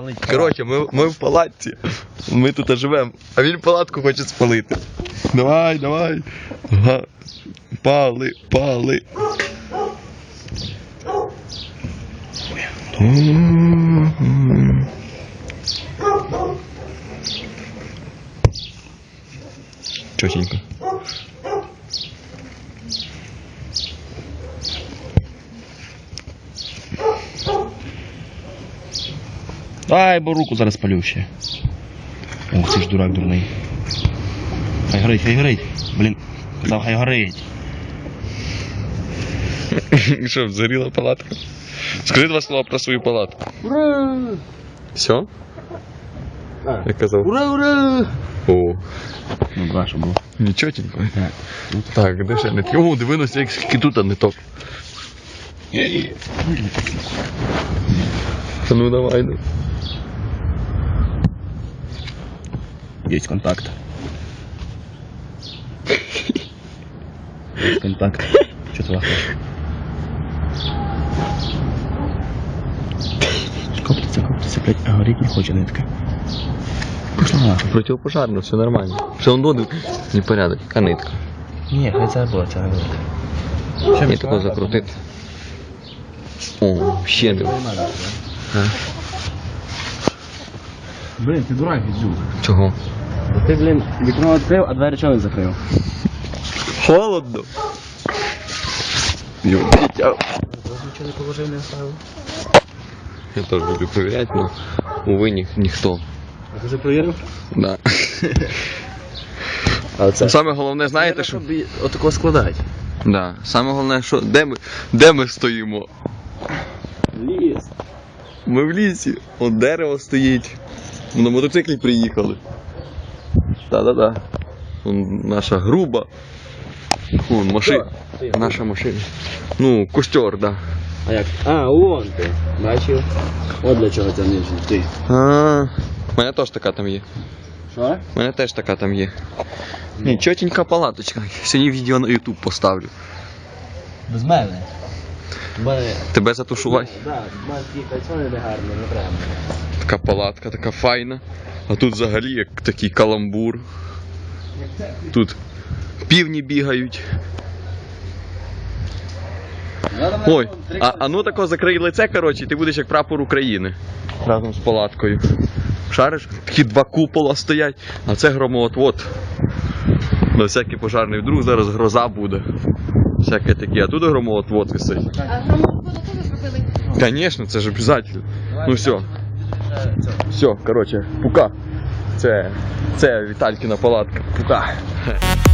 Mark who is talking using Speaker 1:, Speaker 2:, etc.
Speaker 1: Коротше, ми в палатці. Ми тут живемо, а він палатку хоче спалити. Давай, давай. Ага. Пали, пали. Чотенько.
Speaker 2: Ай, бо руку зараз палю ще. Ох, ти ж дурак дурний. Хай горить, хай горить. Блін, казав, хай горить.
Speaker 1: Що, згоріла палатка? Скажи два слова про свою палатку.
Speaker 2: Ура!
Speaker 1: Все? Я казав.
Speaker 2: Ура, ура!
Speaker 1: О.
Speaker 2: Ну, два, що було.
Speaker 1: Нічотенько. Так, де ще не так? О, дивинуся, як скільки тут не ток. Ну давай, ну.
Speaker 2: Есть контакт. Есть контакт. Что ты лохаешь? Коптится, блядь, а гореть не хочет нитка. Пошла нахуй.
Speaker 1: Противопожарно, все нормально. Все одно непорядок, яка нитка.
Speaker 2: Не, хай забула, це не нитка.
Speaker 1: Мені такого закрутити. О, ще не.
Speaker 2: Блин, ти дурак, Відзюк.
Speaker 1: Чого?
Speaker 2: Ти, блин, вікно відкрив, а двері чого не закрив?
Speaker 1: Холодно. Йо, дитя.
Speaker 2: Нічого не положив, не оставив.
Speaker 1: Я теж люблю перевіряти, але, увы, ніхто.
Speaker 2: А ти вже перевірив?
Speaker 1: Да.
Speaker 2: А оце?
Speaker 1: Саме головне, знаєте, що?
Speaker 2: Отако складати.
Speaker 1: Да. Саме головне, що де ми стоїмо?
Speaker 2: Ліс.
Speaker 1: Ми в лісі. От дерево стоїть. На мотоциклі приїхали. Да-да-да. Наша груба. Машина. Наша машина. Ну, костер, да.
Speaker 2: А як? А, вон ти. Бачив? От для чого це нижній. Ти.
Speaker 1: У мене теж така там є.
Speaker 2: Що?
Speaker 1: У мене теж така там є. Ні, чотенька палаточка. Сьогодні відео на YouTube поставлю.
Speaker 2: Без мене.
Speaker 1: Тебе затушувати?
Speaker 2: Так, маленькі кальцони не гарно, не треба.
Speaker 1: Така палатка, така файна. А тут взагалі як такий каламбур. Тут півні бігають. Ой, а ну тако закрий лице, коротше, і ти будеш як прапор України. Разом з палаткою. Шариш? Такі два купола стоять, а це громоотвод. На всякий пожарний вдруг зараз гроза буде. Всяке таке, а тут громоотвод висить.
Speaker 3: А громоотводу теж зробили?
Speaker 1: Конечно, це ж обов'язково. Ну все. Все, коротше, пука. Це Віталькіна палатка. Пука.